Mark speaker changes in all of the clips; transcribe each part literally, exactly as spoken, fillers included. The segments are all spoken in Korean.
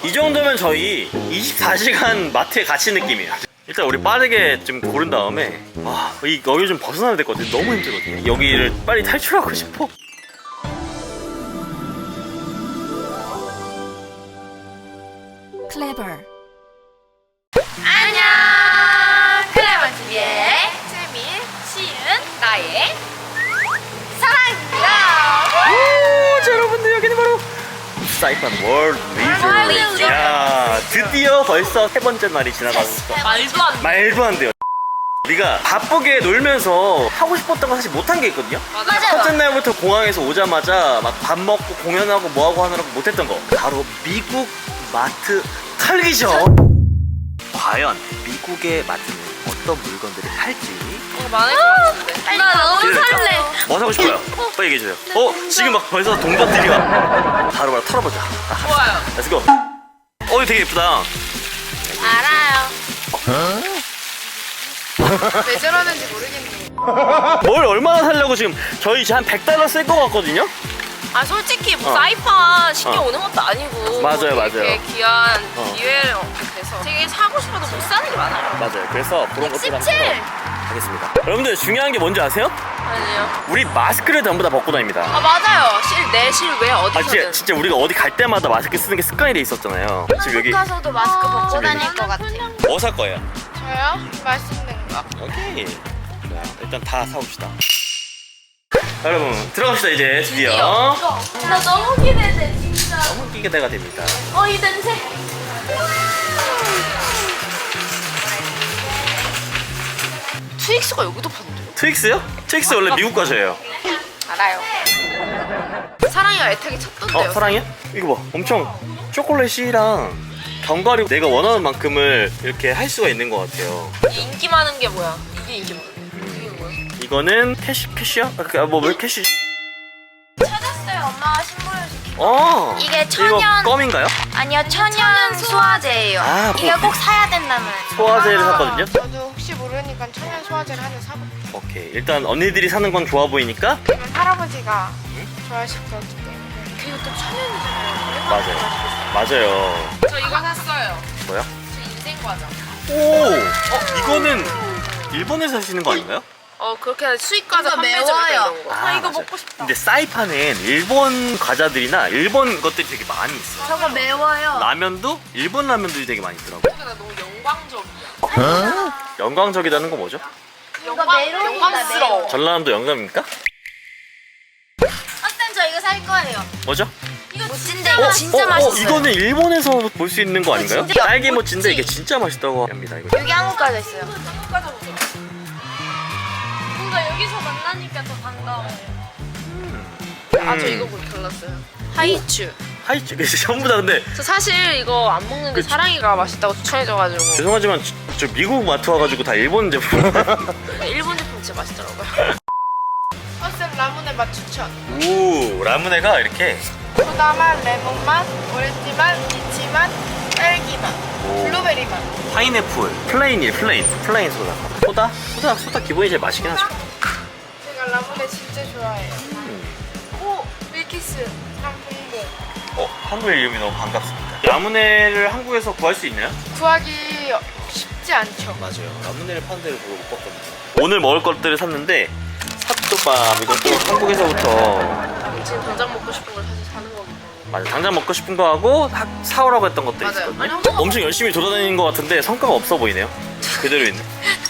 Speaker 1: 이 정도면 저희 이십사 시간 마트에 갇힌 느낌이에요. 일단 우리 빠르게 좀 고른 다음에 아, 이 여기 좀 벗어나야 될 것 같아요. 너무 힘들거든요. 여기를 빨리 탈출하고 싶어.
Speaker 2: 클레버.
Speaker 3: 안녕! 클레먼티비의 채민, 시은, 나의 사랑입니다.
Speaker 1: 오, 자, 여러분들 여기는 바로 사이판 월드 리조트. 야, 드디어 벌써 세 번째 날이 지나가면서
Speaker 3: 말도 안 돼.
Speaker 1: 말도 안 돼요. 우리가 바쁘게 놀면서 하고 싶었던 거 사실 못한 게 있거든요.
Speaker 3: 맞아요.
Speaker 1: 첫째 날부터 공항에서 오자마자 막 밥 먹고 공연하고 뭐하고 하느라고 못했던 거, 바로 미국 마트 털기죠. 과연 미국의 마트는 어떤 물건들을 팔지?
Speaker 3: 어, 많을 것 같은데. 나 너무
Speaker 1: 기대될까?
Speaker 3: 설레.
Speaker 1: 뭐 사고 싶어요? 빨리 얘기해주세요. 어? 지금 막 벌써 동전들이 와. 바로 바로 털어보자.
Speaker 3: 좋아요.
Speaker 1: 렛츠고. 어, 이거 되게 예쁘다.
Speaker 3: 알아요. 왜 저러는지 모르겠네.
Speaker 1: 뭘 얼마나 살려고 지금 저희 이제 한 백 달러 쓸 것 같거든요?
Speaker 3: 아 솔직히 뭐
Speaker 1: 어.
Speaker 3: 사이판 신경
Speaker 1: 어.
Speaker 3: 오는 것도 아니고
Speaker 1: 맞아요,
Speaker 3: 뭐 이렇게
Speaker 1: 맞아요.
Speaker 3: 귀한
Speaker 1: 어.
Speaker 3: 기회를 돼서 되게 사고 싶어도 못 사는 게 많아요.
Speaker 1: 맞아요. 그래서 그런 것들 한번
Speaker 3: 십칠!
Speaker 1: 하겠습니다. 여러분들 중요한 게 뭔지 아세요?
Speaker 3: 아니요.
Speaker 1: 우리 마스크를 전부 다 벗고 다닙니다.
Speaker 3: 아 맞아요. 실내 실외
Speaker 1: 아
Speaker 3: 어디서든.
Speaker 1: 진짜, 진짜 우리가 어디 갈 때마다 마스크 쓰는 게 습관이 돼 있었잖아요. 지금 여기
Speaker 4: 가서도 마스크 벗고
Speaker 1: 지금
Speaker 4: 다닐
Speaker 1: 여기.
Speaker 4: 것 같아요.
Speaker 1: 뭐 살 거예요?
Speaker 3: 저요? 맛있는 거.
Speaker 1: 오케이. 자, 일단 다 사옵시다. 여러분 들어갑시다 이제 드디어.
Speaker 3: 드디어. 나 너무 기대돼 진짜.
Speaker 1: 너무 기대가 됩니다.
Speaker 3: 어 이 냄새. 트윅스가 여기도 파는데요?
Speaker 1: 트윅스요? 트윅스 원래 미국 과자예요.
Speaker 3: 알아요. 사랑이가 애타게 찾던데요.
Speaker 1: 어 사랑이야? 이거 봐. 엄청 초콜릿이랑 견과류 내가 원하는 만큼을 이렇게 할 수가 있는 것 같아요.
Speaker 3: 이 인기 많은 게 뭐야? 이게 인기 많은 게. 이게 뭐야?
Speaker 1: 이거는 캐시 캐시야? 아, 뭐왜 캐시?
Speaker 4: 찾았어요. 엄마가 신부를
Speaker 1: 어.
Speaker 4: 이게 천연-
Speaker 1: 이거 껌인가요?
Speaker 4: 아니요, 천연 소화제예요.
Speaker 1: 아,
Speaker 4: 이거
Speaker 1: 뭐-
Speaker 4: 꼭 사야 된다면.
Speaker 1: 소화제를 샀거든요.
Speaker 5: 저도 혹시 모르니까 천연 소화제를 하나 사볼게요.
Speaker 1: 오케이. 일단 언니들이 사는 건 좋아 보이니까.
Speaker 5: 그러면 할아버지가 좋아하실 것 같기 때문에.
Speaker 3: 그리고 또 천연이잖아요.
Speaker 1: 맞아요. 맞아요.
Speaker 3: 저 이거 샀어요.
Speaker 1: 뭐야?
Speaker 3: 저 인생 과자.
Speaker 1: 오. 어 이거는 일본에서 하시는 거 아닌가요?
Speaker 3: 어 그렇게 수입 과자
Speaker 4: 이거
Speaker 3: 판매점
Speaker 4: 매워요.
Speaker 3: 이런 거.
Speaker 4: 아, 이거
Speaker 1: 맞아요.
Speaker 4: 먹고 싶다.
Speaker 1: 근데 사이판엔 일본 과자들이나 일본 것들이 되게 많이 있어.
Speaker 4: 저거 매워요.
Speaker 1: 라면도 일본 라면들이 되게 많이 있더라고.
Speaker 3: 근데 나 너무 영광적이야.
Speaker 1: 영광적이라는 건 뭐죠?
Speaker 4: 이거 메론이다,
Speaker 3: 영광스러워.
Speaker 4: 메론.
Speaker 1: 전라남도 영감입니까?
Speaker 4: 어떤 저 이거 살 거예요.
Speaker 1: 뭐죠?
Speaker 4: 이거 모찐데 이거 진짜
Speaker 1: 어, 어,
Speaker 4: 맛있어요.
Speaker 1: 이거는 일본에서 볼 수 있는 거 아닌가요?
Speaker 4: 진짜
Speaker 1: 딸기 모찌인데
Speaker 4: 모찌.
Speaker 1: 이게 진짜 맛있다고 합니다. 이거.
Speaker 4: 여기 한국 가져 있어요.
Speaker 3: 과자 보자. 뭔가 여기서 만나니까 더 반가워. 아 저 이거 보기 골랐어요. 하이츄.
Speaker 1: 하이츠 전부 다 근데
Speaker 3: 저 사실 이거 안 먹는데
Speaker 1: 그치.
Speaker 3: 사랑이가 맛있다고 추천해줘가지고
Speaker 1: 죄송하지만 저, 저 미국 마트 와가지고 다 일본 제품.
Speaker 3: 일본 제품 진짜 맛있더라고요.
Speaker 5: 허쌤 라문의 맛 추천.
Speaker 1: 오 라무네가 이렇게.
Speaker 5: 소다 맛, 레몬 맛, 오렌지 맛, 리치 맛, 딸기 맛,
Speaker 1: 오.
Speaker 5: 블루베리 맛.
Speaker 1: 파인애플 플레인이 플레인 플레인 소다. 소다? 소다 소다 기본이 제일 맛있긴 하죠.
Speaker 5: 제가 라문의 진짜 좋아해요.
Speaker 1: 음.
Speaker 5: 오, 밀키스, 상품공.
Speaker 1: 어 한글 이름이 너무 반갑습니다. 라무네를 한국에서 구할 수 있나요?
Speaker 5: 구하기 쉽지 않죠.
Speaker 1: 맞아요. 라무네를 파는 데를 보고 못 봤거든요. 오늘 먹을 것들을 샀는데 삿도밥 이것도 한국에서부터
Speaker 3: 지금 당장 먹고 싶은 걸 사실 사는 거기 때문에.
Speaker 1: 맞아 당장 먹고 싶은 거 하고 사, 사오라고 했던 것들
Speaker 3: 맞아요.
Speaker 1: 있었거든요.
Speaker 3: 아니, 엄청
Speaker 1: 엄청 열심히 돌아다니는 것 같은데 성과가 없어 보이네요. 그대로 있네.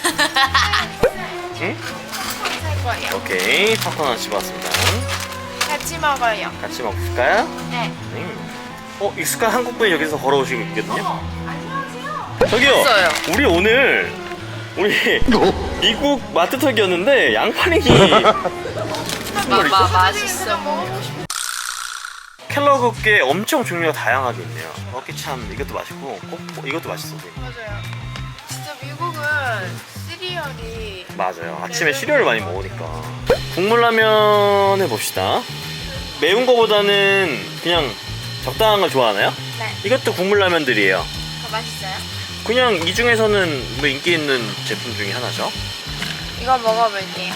Speaker 1: 응?
Speaker 5: 살 거예요.
Speaker 1: 오케이 팝콘 하나 집어왔습니다.
Speaker 5: 같이 먹어요.
Speaker 1: 같이 먹을까요?
Speaker 4: 네.
Speaker 1: 음. 어 익숙한 한국분이 여기서 걸어오시고 있거든요. 저기요.
Speaker 3: 있어요.
Speaker 1: 우리 오늘 우리 미국 마트 턱이었는데 양파링이
Speaker 3: 마, 마,
Speaker 5: 그냥
Speaker 3: 맛있어.
Speaker 5: 먹어보고 싶어.
Speaker 1: 켈러그게 엄청 종류가 다양하게 있네요. 어깨 참 이것도 맛있고 꼭 이것도 맛있어 보여.
Speaker 5: 맞아요. 진짜 미국은 시리얼이
Speaker 1: 맞아요. 아침에 시리얼을 많이 먹으니까. 국물라면 해봅시다. 매운 거보다는 그냥 적당한 걸 좋아하나요?
Speaker 4: 네.
Speaker 1: 이것도 국물라면들이에요.
Speaker 4: 더 맛있어요?
Speaker 1: 그냥 이 중에서는 뭐 인기 있는 제품 중에 하나죠.
Speaker 4: 이거 먹어볼게요.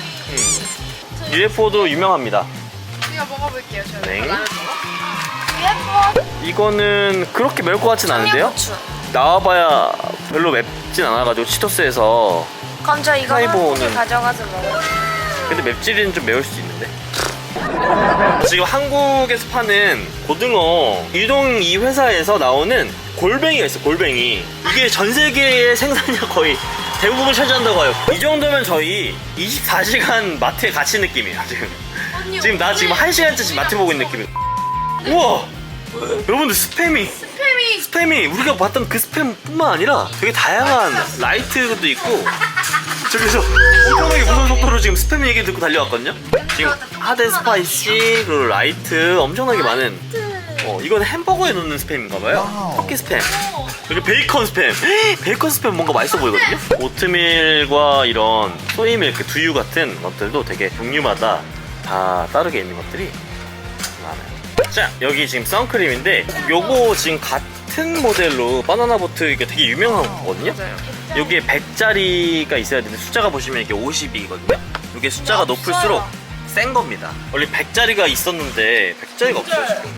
Speaker 1: 음. 유에프오도 유명합니다.
Speaker 5: 제가 먹어볼게요. 저는.
Speaker 1: 네.
Speaker 4: 유에프오.
Speaker 1: 이거는 그렇게 매울 것 같진 않은데요?
Speaker 4: 청양고추.
Speaker 1: 나와봐야 별로 맵진 않아가지고 치토스에서.
Speaker 4: 그럼 저 이거
Speaker 1: 하이보는-
Speaker 4: 한국에 가져가서 먹어요.
Speaker 1: 근데 맵찔이는 좀 매울 수 있는데. 지금 한국에서 파는 고등어 유동 이 회사에서 나오는 골뱅이가 있어. 골뱅이 이게 전 세계의 생산량 거의 대부분 차지한다고 해요. 이 정도면 저희 이십사 시간 마트에 갇힌 느낌이에요 지금.
Speaker 3: 언니,
Speaker 1: 지금 나 지금
Speaker 3: 오늘
Speaker 1: 한 시간째 마트 보고 있는 느낌이에요. 우와 여러분들 스팸이
Speaker 3: 스팸이
Speaker 1: 스팸이 우리가 봤던 그 스팸뿐만 아니라 되게 다양한 라이트도 있고 저기서 엄청나게 무서운 속도로 지금 스팸 얘기 듣고 달려왔거든요. 지금 하드 스파이시 그리고 라이트 엄청나게 많은 어 이건 햄버거에 넣는 스팸인가봐요. 터키 스팸 그리고 베이컨 스팸 베이컨 스팸 뭔가 맛있어 보이거든요. 오트밀과 이런 소이밀크 두유 같은 것들도 되게 종류마다 다 다르게 있는 것들이 많아요. 자 여기 지금 선크림인데 요거 지금 같은 모델로 바나나보트 이게 되게 유명한 거거든요. 여기에 백짜리가 있어야 되는데 숫자가 보시면 이게 오십이거든요. 이게 숫자가 높을수록 센 겁니다. 원래 백짜리가 있었는데 백짜리가 없어요 지금.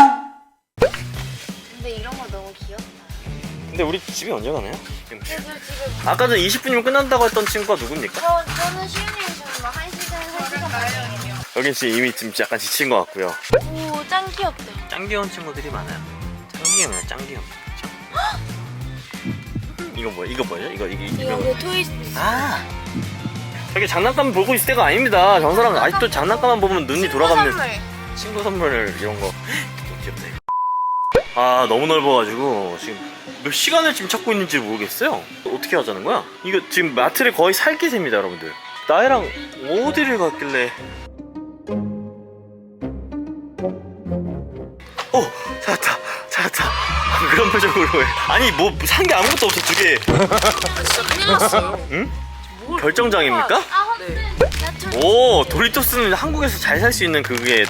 Speaker 4: 근데 이런 거 너무 귀엽다.
Speaker 1: 근데 우리 집에 언제 가나요? 지금.
Speaker 4: 그래서 지금
Speaker 1: 아까 전 이십 분이면 끝난다고 했던 친구가 누굽니까?
Speaker 4: 저, 저는 쉬는 저는 막한 시간, 한 시간 반이에요.
Speaker 1: 여긴 씨 이미 지금 약간 지친 것 같고요.
Speaker 4: 오, 짱 귀엽다.
Speaker 1: 짱 귀여운 친구들이 많아요. 짱 귀여워요, 짱 귀여워. 이거 뭐야? 이거 뭐예요? 이거 이게
Speaker 4: 이거
Speaker 1: 유명한.
Speaker 4: 그 토이스.
Speaker 1: 아. 저게 장난감 보고 있을 때가 아닙니다. 저 사람 아직도 장난감만 보면 눈이 돌아가는 친구 선물 이런 거. 너무 귀엽다 이거. 아 너무 넓어가지고 지금 몇 시간을 지금 찾고 있는지 모르겠어요. 어떻게 하자는 거야? 이거 지금 마트를 거의 살기세입니다 여러분들. 나이랑 어디를 갔길래? 어 찾았다 찾았다. 아, 그런 표정으로 해. 아니 뭐 산 게 아무것도 없어 두 개.
Speaker 3: 진짜 큰일 났어요.
Speaker 1: 응? 결정장입니까?
Speaker 4: 아,
Speaker 3: 네.
Speaker 4: 나 저.
Speaker 1: 오 도리토스는 한국에서 잘 살 수 있는 그게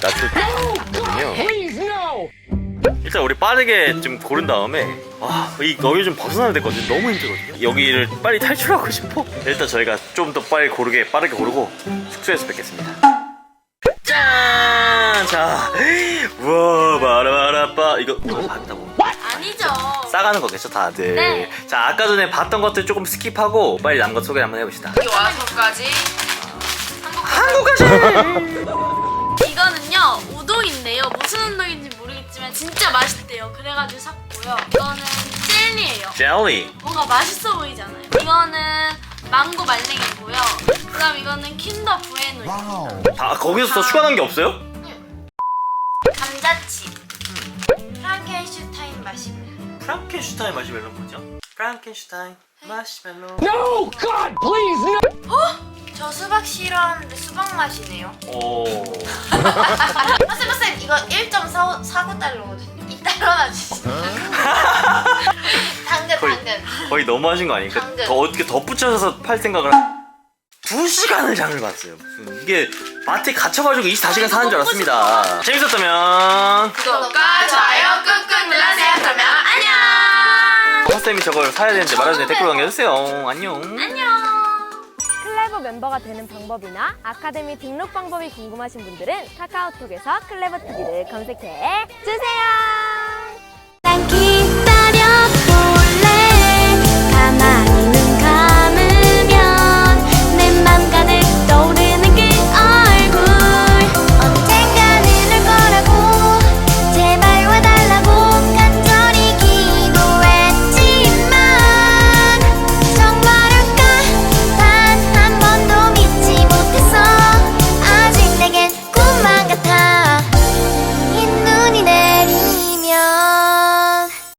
Speaker 1: 나토거든요. 일단 우리 빠르게 좀 고른 다음에 아이 여기 좀 벗어나야 되거든요. 너무 힘들거든요. 여기를 빨리 탈출하고 싶어. 일단 저희가 좀 더 빨리 고르게 빠르게 고르고 숙소에서 뵙겠습니다. 짠! 자, 우와 바라바라빠 이거 이거 봤다고?
Speaker 3: 아니죠.
Speaker 1: 싸가는 거겠죠 다들.
Speaker 4: 네.
Speaker 1: 자 아까 전에 봤던 것들 조금 스킵하고 빨리 남은 것 소개 한번 해봅시다.
Speaker 3: 여기 와서까지
Speaker 1: 한국까지.
Speaker 3: 이거는요 우동인데요. 무슨 우동인지 모르겠지만 진짜 맛있대요. 그래가지고 샀고요. 이거는 젤리예요.
Speaker 1: 젤리.
Speaker 3: 뭔가 맛있어 보이잖아요. 이거는 망고 말랭이고요. 그다음 이거는 킨더 부에노입니다.
Speaker 1: 아 거기서 더 추가한 게 없어요?
Speaker 4: 감자칩. 프랑켄슈타인 마시멜로.
Speaker 1: 프랑켄슈타인 마시멜로 뭐죠? 프랑켄슈타인 마시멜로.
Speaker 2: No, God, please, no!
Speaker 4: 저 수박 싫어하는데 수박 맛이네요.
Speaker 1: 오.
Speaker 4: 쌤쌤 이거 일 점 사구 달러거든요. 이 달러나 주시죠. 당근
Speaker 1: 거의,
Speaker 4: 당근.
Speaker 1: 거의 너무하신 거 아닙니까?
Speaker 4: 당근.
Speaker 1: 더 어떻게 덧붙여서 팔 생각을 하... 두 시간을 장을 봤어요. 무슨 이게 마트에 갇혀가지고 이십사 시간 사는 줄 알았습니다. 재밌었다면
Speaker 3: 구독과 좋아요 꾹꾹 눌러주세요. 그러면 안녕.
Speaker 1: 화쌤이 저걸 사야 되는데 말하는 데 댓글 남겨주세요. 안녕.
Speaker 3: 안녕.
Speaker 6: 클레버 멤버가 되는 방법이나 아카데미 등록 방법이 궁금하신 분들은 카카오톡에서 클레버 티비를 검색해 주세요.